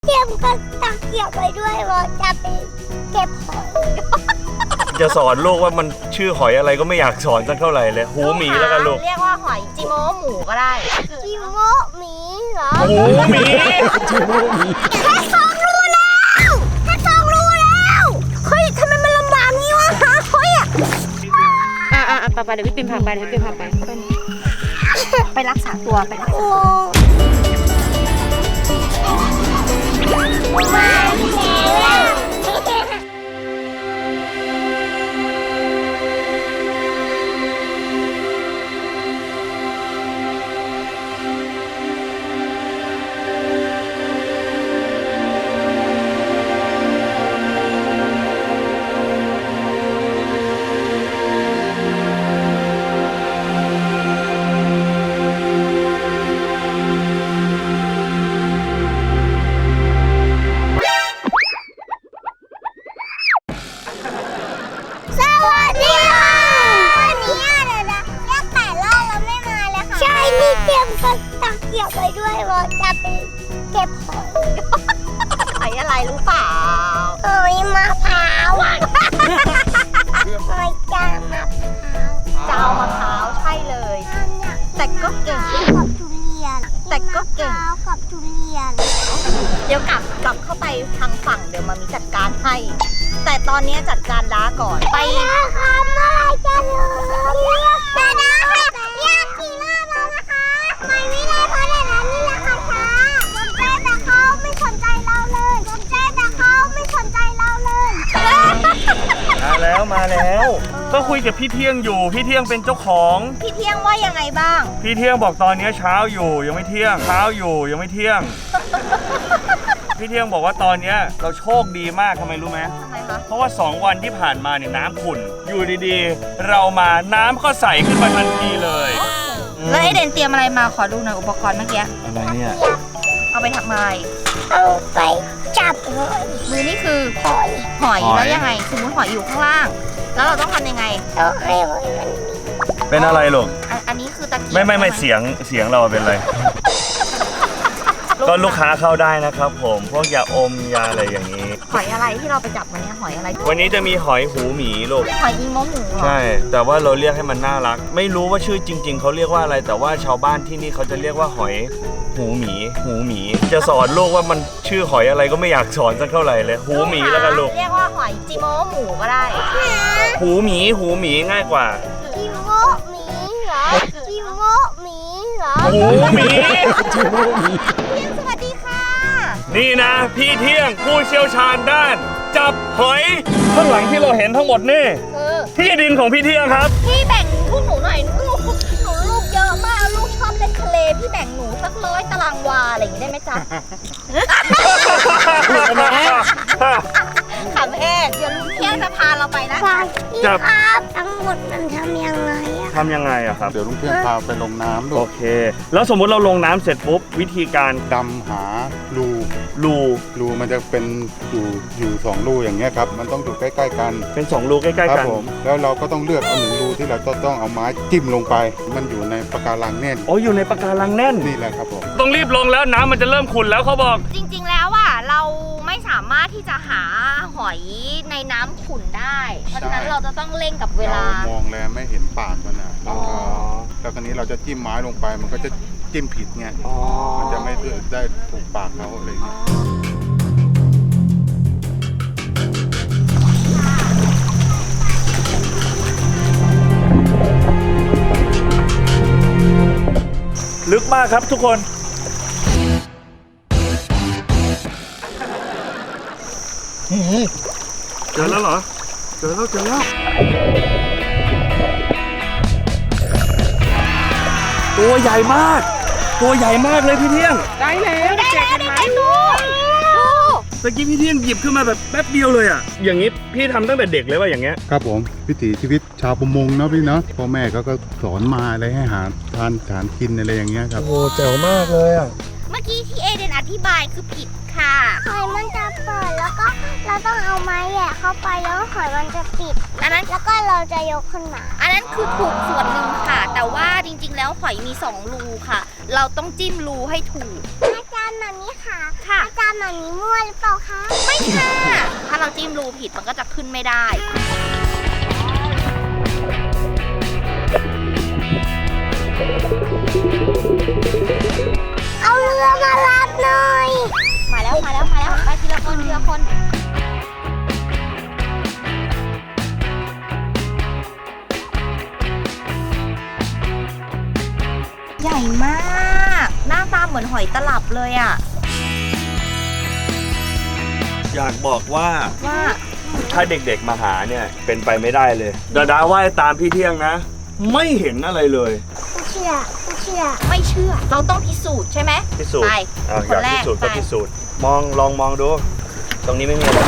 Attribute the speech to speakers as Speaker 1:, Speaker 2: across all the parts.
Speaker 1: เตรียมก็ตะเกียบไปด้วยว่าจะไปเก็บหอย
Speaker 2: จะสอนลูกว่ามันชื่อหอยอะไรก็ไม่อยากสอนสักเท่าไหร่เลยหูหมีแล้วกันลูก
Speaker 3: เรียกว่าหอยจิโมหมูก็ได้
Speaker 1: จิโมหมีเหรอ
Speaker 2: หูหมี
Speaker 1: จิโมหมีแค่2 รูแล้วแค่2 รูแล้วเฮ้ยทำไมมันลำบากงี้วะเฮ้ย
Speaker 3: ไปเดี๋ยวพี่ปิ่มพาไปไปรักษาตัวไปรักษาตัว
Speaker 1: มาแล้วตะเกียบไปด้วยว่าจะไปเก็บหอย
Speaker 3: หอยอะไรรู้เปล่า
Speaker 1: หอยมะพร้าวหอยจามมะพร้าว
Speaker 3: เจ้ามะพร้าวใช่เลยแต่ก็เก่ง
Speaker 1: กับทุเรียน
Speaker 3: แต่ก็เก่ง
Speaker 1: กับทุเรียน
Speaker 3: เดี๋ยวกลับเข้าไปทางฝั่งเดี๋ยวมามีจัดการให้แต่ตอนนี้จัดการด้าก่อนไป
Speaker 1: ค่ะเมื่อไรจะเลยแต่ด้าค่ะอยากขี่รอบแล้วนะคะไปไม่ได้เพราะเดี๋ยวนั้นนี่แหละค่ะช้าสนใจแต่เขาไม่สนใจเราเลยสนใจแต่เขาไม่สนใจเราเลย
Speaker 2: มาแล้วก็คุยกับพี่เที่ยงอยู่พี่เที่ยงเป็นเจ้าของ
Speaker 3: พี่เที่ยงว่ายังไงบ้าง
Speaker 2: พี่เที่ยงบอกตอนนี้เช้าอยู่ยังไม่เที่ยงเช้าอยู่ยังไม่เที่ยงพี่เที่ยงบอกว่าตอนนี้เราโชคดีมากทำไมรู้ไหม
Speaker 3: คะ
Speaker 2: เพราะว่า2 วันที่ผ่านมาเนี่ยน้ำขุ่นอยู่ดีๆเรามาน้ำก็ใสขึ้นมาทันทีเลย
Speaker 3: แล้วไอเดนเตรียมอะไรมาขอดูหน่อยอุปกรณ์เมื่อกี้
Speaker 2: อะไรเนี่ย
Speaker 3: เอาไปทำอะไร
Speaker 1: เอาไปจับหอย
Speaker 3: มือนี่คือหอยแล้วยังไงสมมติหอยอยู่ข้างล่างแล้วเราต้องทำยังไง
Speaker 1: ต้องให้หอยมัน
Speaker 2: เป็นอะไรลูก
Speaker 3: อันนี้คือตะเกียบ
Speaker 2: ไม่เสียงเราเป็นอะไรก็ลูกค้าเข้าได้นะครับผมพวกยาอมยาอะไรอย่างนี้
Speaker 3: หอยอะไรที่เราไปจับวันนี้หอยอะไร
Speaker 2: วันนี้จะมีหอยหูหมีลูก
Speaker 3: หอยอีโมหมู
Speaker 2: ใช่แต่ว่าเราเรียกให้มันน่ารักไม่รู้ว่าชื่อจริงๆเขาเรียกว่าอะไรแต่ว่าชาวบ้านที่นี่เขาจะเรียกว่าหอยหูหมีจะสอนลูกว่ามันชื่อหอยอะไรก็ไม่อยากสอนสักเท่าไหร่เลยหูหมีแล้วกันลูก
Speaker 3: เรียกว่าหอยจิโมหมูก็ได้
Speaker 2: หูหมีง่ายกว่า
Speaker 1: จิโมหมีเหรอจิโมหมีเหรอ
Speaker 2: หูหมี
Speaker 1: จิโมหมีสวัสดีค่ะ
Speaker 2: นี่นะพี่เที่ยงผู้เชี่ยวชาญด้านจับหอยข้างหลังที่เราเห็นทั้งหมดนี่ที่ดินของพี่เที่ยงครับ
Speaker 3: พี่แบ่งพวกหนูหน่อยหนูลูกเยอะมากลูกชอบเล่นทะเลพี่แบ่งหนูสัก100 ตารางวาอะไรอย่างนี้ได้ไหมจ๊ะขำแห้งเดี๋ยวลุงเที่ยงจะพาเราไปนะ
Speaker 1: พี่ครับทั้งหมดมันทำยังไง
Speaker 2: อะครับ
Speaker 4: เดี๋ยวลุงเที่ยงพาไปลงน้ำด้วย
Speaker 2: โอเคแล้วสมมุติเราลงน้ำเสร็จปุ๊บวิธีการ
Speaker 4: ดำหารูมันจะเป็นอยู่2 รูอย่างเงี้ยครับมันต้องอยู่ใกล้ๆกัน
Speaker 2: เป็น2 รูใกล้ๆกัน
Speaker 4: ผมแล้วเราก็ต้องเลือกเอา1 รูที่เราต้องเอาไม้จิ้มลงไปมันอยู่ในปะการังแน่น
Speaker 2: อยู่ในปะการังแน่น
Speaker 4: นี่แหละครับผม
Speaker 2: ต้องรีบลงแล้วน้ำมันจะเริ่มขุ่นแล้วเขาบอก
Speaker 3: จริงๆแล้วเราไม่สามารถที่จะหาหอยในน้ำขุ่นได้เพราะฉะนั้นเราจะต้องเร่งกับเวลาม
Speaker 4: องแล้วไม่เห็นปากมันนะแล้วคราวนี้เราจะจิ้มไม้ลงไปมันก็จะจิ้มผิดไงมันจะไม่ได้ถูกปากเขาอะไรอย่างเงี้ย
Speaker 2: ลึกมากครับทุกคนเจอแล้วเหรอเจอแล้วตัวใหญ่มากเลยพี่เที่ยง
Speaker 3: ได้แล้ว
Speaker 2: ตะกี้พี่เที่ยงหยิบขึ้นมาแบบแป๊บเดียวเลยอ่ะอย่างนี้พี่ทำตั้งแต่เด็กเลยว่าอย่างเงี้ย
Speaker 4: ครับผมวิถีชีวิตชาวประมงเนาะพี่เนาะพ่อแม่ก็สอนมาอะไรให้หาทานกินอะไรอย่างเงี้ยครับ
Speaker 2: โอ้แจ๋วมากเลยอ่ะ
Speaker 3: เมื่อกี้ที่เอเดนอธิบายคือผิดค่ะ
Speaker 1: หอยมันจะเปิดแล้วก็เราต้องเอาไม้แหย่เข้าไปแล้วหอยมันจะปิด
Speaker 3: อันนั้น
Speaker 1: แล้วก็เราจะยกขึ้นมา
Speaker 3: อันนั้นคือถูกส่วนหนึ่งค่ะแต่ว่าจริงๆแล้วหอยมี2 รูค่ะเราต้องจิ้มรูให้ถูก
Speaker 1: อาจารย์แบบนี้ค่ะ
Speaker 3: ค่ะ
Speaker 1: อาจารย์หมามีมั่วหรือเปล่าคะ
Speaker 3: ไม่ค่ะ ถ้าเราจิ้มรูผิดมันก็จะขึ้นไม่ได้
Speaker 1: เอาเรือมารับหน่อย
Speaker 3: มาแล้วไปทีละคนใหญ่มาก หน้าตาเหมือนหอยตลับเลยอ่ะ
Speaker 2: อยากบอกว่า
Speaker 3: ว่า
Speaker 2: ถ้าเด็กๆมาหาเนี่ยเป็นไปไม่ได้เลยดาดาว่ายตามพี่เที่ยงนะ ไม่เห็นอะไรเลย
Speaker 1: ไม่เชื่อ
Speaker 3: ไม่เชื่อ เราต้องพิสูจน์ใช่ไหม
Speaker 2: พิสูจน์
Speaker 3: ไป
Speaker 2: อ่ะ
Speaker 3: ค
Speaker 2: อน ยาก
Speaker 3: แร
Speaker 2: พิ
Speaker 3: ก
Speaker 2: สูจน์
Speaker 3: ไป
Speaker 2: ก็พิสูจน์ลองมองดู ตรงนี้ไม่มีอะไร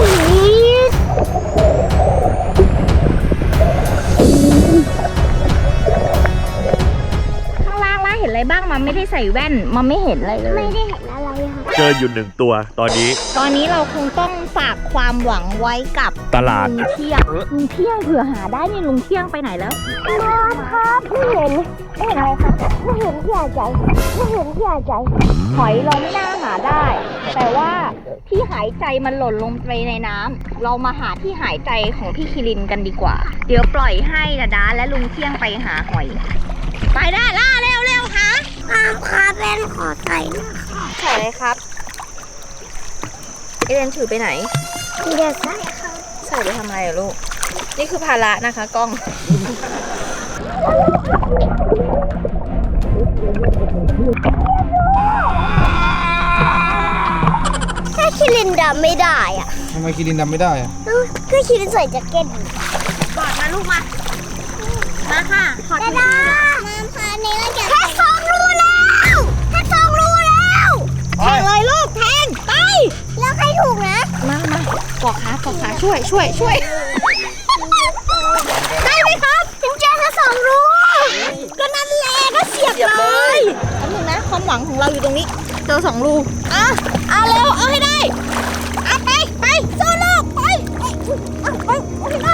Speaker 3: ข้างล่างเห็นอะไรบ้างมันไม่ได้ใส่แว่นมันไม่เห็นอะไรเลย
Speaker 1: ไม่ได้เห็นอะไรค่ะ
Speaker 2: เจออยู่1 ตัวตอนนี้
Speaker 3: ตอนนี้เราคงต้องฝากความหวังไว้กับ
Speaker 2: ตลาด
Speaker 3: ลุงเที่ยงเผื่อหาได้นี่ลุงเที่ยงไปไหนแล้ว
Speaker 1: น้ำครับไม่เห็นอะไรครับไม่เห็นที่อาใจไม่เห็นที่อาใจ
Speaker 3: หอยเราไม่น่าหาได้ แต่ว่าที่หายใจมันหล่นลงไปในน้ำเรามาหาที่หายใจของพี่คิรินกันดีกว่า เดี๋ยวปล่อยให้ดาและลุงเที่ยงไปหาหอย ไปได้ล่าเร็วหา
Speaker 1: น้ำครับเป็นขอใส่นะ
Speaker 3: ใส่เลยครับเอเดนถือไปไหน
Speaker 1: เดี๋ยวใส่ครับ
Speaker 3: ใส่ไปทำอะไรอะลูก นี่คือภาระนะคะกล้อง
Speaker 1: ถ้าคิรินดำไม่ได้อ่ะ
Speaker 5: ทำไมคิรินดำไม่ได้อะ
Speaker 1: ก็คิรินใส่แจ็คเก็ต
Speaker 3: กอดมาลูกมา มาค่ะขอด
Speaker 1: ดา
Speaker 3: มือ
Speaker 1: ดาน้ำค่ะนี่เราจะแค่2 รูแล้วแค่2 รูแล้วแทงเลยลูกแทงไปแล้วใครถูกนะ
Speaker 3: มาปอกขาช่วย
Speaker 1: ได้ไหมครับถึงเจอแค่2 รูก็นั่นแหละก็เสียบเลย
Speaker 3: แป๊บนึงนะความหวังของเราอยู่ตรงนี้ เจอ2 รูเอาเร็ว เอาให้ได้เอาไปสู้ลูกไปเอาให้ได้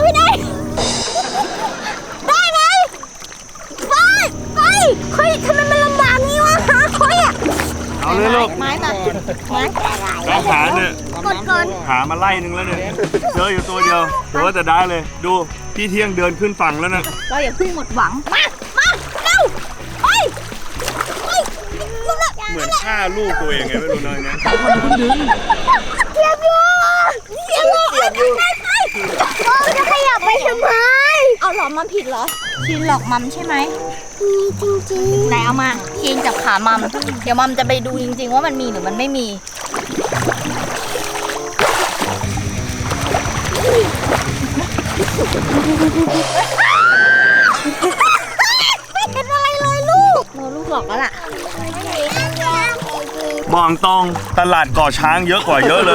Speaker 1: ได้ไหมไปเฮ้ยทำไมมันลำบากงี้วะหาคอยอ่ะ
Speaker 2: เอาเลยลูก
Speaker 3: ไม้มา
Speaker 2: แล้วหาเนี่ย
Speaker 1: กดก่อน
Speaker 2: หามาไล่นึงแล้วเนี่ยเจออยู่ตัวเดียวแต่ว่าจะได้เลย ดูพี่เที่ยงเดินขึ้นฝั่งแล้วนะ
Speaker 3: เราอย่าเพิ่งหมดหวัง
Speaker 1: มาเร็วไปลูกละ
Speaker 2: เหมือนฆ่าลูกตัวเองไงไม่รู้น้อยนะ
Speaker 1: เสียบอยู่เราจะขยับไปทำไม
Speaker 3: เอาหรอมัมผิดเหรอชินหลอกมัมใช่ไหม
Speaker 1: มีจริง
Speaker 3: ไหนเอามาเคียงจับขามัม เดี๋ยวมัมจะไปดูจริงๆว่ามันมีหรือมันไม่มี
Speaker 1: ไม่เห็นอะไรเลยลูก
Speaker 3: ลูกหลอกแล้วล่ะ
Speaker 2: บอกตรงตลาดก่อช้างเยอะกว่าเยอะเลย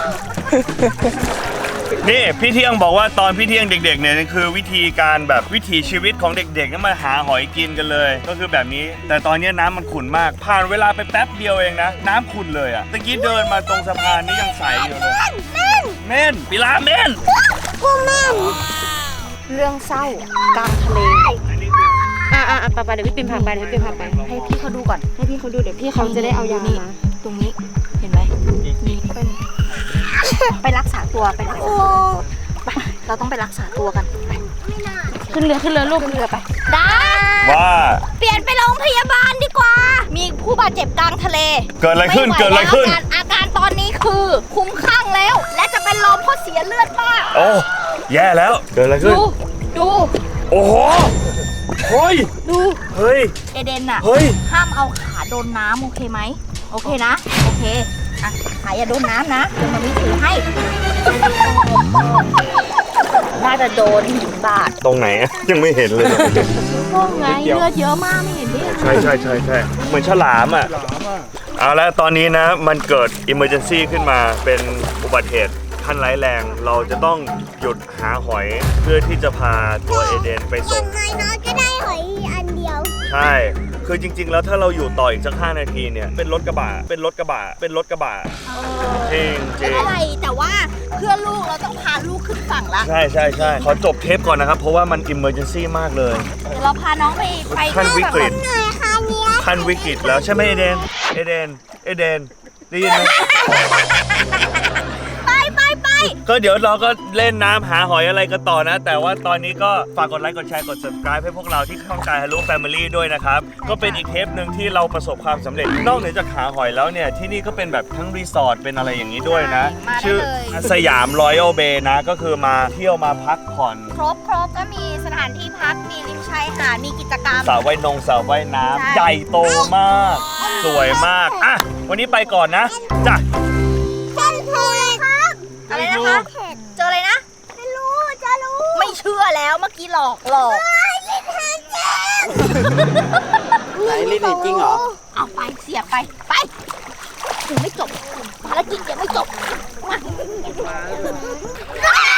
Speaker 2: นี่พี่เที่ยงบอกว่าตอนพี่เที่ยงเด็กๆเนี่ยคือวิธีการแบบวิถีชีวิตของเด็กๆนั่นมาหาหอยกินกันเลย ก็คือแบบนี้ แต่ตอนนี้น้ำมันขุ่นมาก ผ่านเวลาไปแป๊บเดียวเองนะ น้ำขุ่นเลยอะตะกี้เดินมาตรงสะพานนี่ยังใสอยู่เลยเม่นปิลาเม่น
Speaker 1: กูแม่น
Speaker 3: เรื่องเศร้ากลางทะเลไปเดี๋ยวพี่ปิ่มพาไปให้พี่เขาดูก่อน ให้พี่เขาดูเดี๋ยวพี่เขาจะได้เอายามาตรงนี้เห็นไหมนี่ไปรักษาตัวไปเราต้องไปรักษาตัวกันไปขึ้นเรือลูกขึ้นเรือไปได้
Speaker 2: ว่า
Speaker 3: เปลี่ยนไปโรงพยาบาลดีกว่า มีผู้บาดเจ็บกลางทะเล
Speaker 2: เกิดอะไรขึ้น
Speaker 3: ม่หว
Speaker 2: เกิดอะไรขึ้น
Speaker 3: แล้วอาการตอนนี้คือคุ้มคลั่งแล้ว และจะเป็นลมเพราะเสียเลือดมาก
Speaker 2: โอ้แย่แล้วเกิดอะไรขึ้น
Speaker 3: ดู
Speaker 2: โอ้โหเฮ้ย
Speaker 3: ดู
Speaker 2: เฮ้ย
Speaker 3: เอเดนอะ
Speaker 2: เฮ้ย
Speaker 3: ห้ามเอาขาโดนน้ำโอเคไหมโอเคนะโอเคอ่ะขาอย่าโดนน้ำนะเดี๋ยวมันมีถือให้ น่าจะโดนหินบาด
Speaker 2: ตรงไหนอะยังไม่เห็นเลย
Speaker 3: พวกไงเลือดเยอะมากไม่เห็นดิ
Speaker 2: ใช่เหมือนฉลามอ่ะ เอาแล้วตอนนี้นะมันเกิด emergency ขึ้นมาเป็นอุบัติเหตุขั้นร้ายแรง เราจะต้องหยุดหาหอยเพื่อที่จะพาตัวเอเดนไป
Speaker 1: ยั
Speaker 2: ส่ง
Speaker 1: งไงน้องก็ได้หอยอันเดียว
Speaker 2: ใช่ คือจริง ๆ แล้วถ้าเราอยู่ต่ออีกสัก5 นาทีเนี่ยเป็นรถกระบะจริง
Speaker 3: ไม่เป็นไรแต่ว่าเพื่อลูกเราต้องพาลูกขึ้นฝั่งละ
Speaker 2: ใช่ขอจบเทปก่อนนะครับ เพราะว่ามัน emergency มากเลย
Speaker 3: เดี๋ยวเราพาน้องไป
Speaker 2: ขั้นวิกฤต
Speaker 1: หน่อยค่ะเนี่ย
Speaker 2: ขั้นวิกฤตแล้วใช่ไหมเอเดนได้ยินไหม
Speaker 1: ไป
Speaker 2: ก็เดี๋ยวเราก็เล่นน้ำหาหอยอะไรกันต่อนะ แต่ว่าตอนนี้ก็ฝากกดไลค์กดแชร์กด subscribe ให้พวกเราที่ช่องกาย Hello Family ด้วยนะครับก็เป็นอีกเทปหนึ่งที่เราประสบความสำเร็จนอกเหนือจากหาหอยแล้วเนี่ยที่นี่ก็เป็นแบบทั้งรีสอร์ทเป็นอะไรอย่างนี้ด้วยนะชื่อสยามรอยัลเบย์นะก็คือมาเที่ยวมาพักผ่อน
Speaker 3: ครบก็มีสถานที่พักมีริมชายหาดมีกิจกรรม
Speaker 2: สระว่ายน้ำใหญ่โตมากสวยมากอ่ะวันนี้ไปก่อนนะจ้ะ
Speaker 1: เช่นเคยครับ
Speaker 3: อะไรนะคะเจออะไรนะ
Speaker 1: จะรู้
Speaker 3: ไม่เชื่อแล้วเมื่อกี้หลอก
Speaker 1: ลิ้นหางแจ้ง
Speaker 5: ไหนลิ้นจริงเหรอ
Speaker 3: เอาไปเสียบไปยังไม่จบภารกิจยังไม่จบมา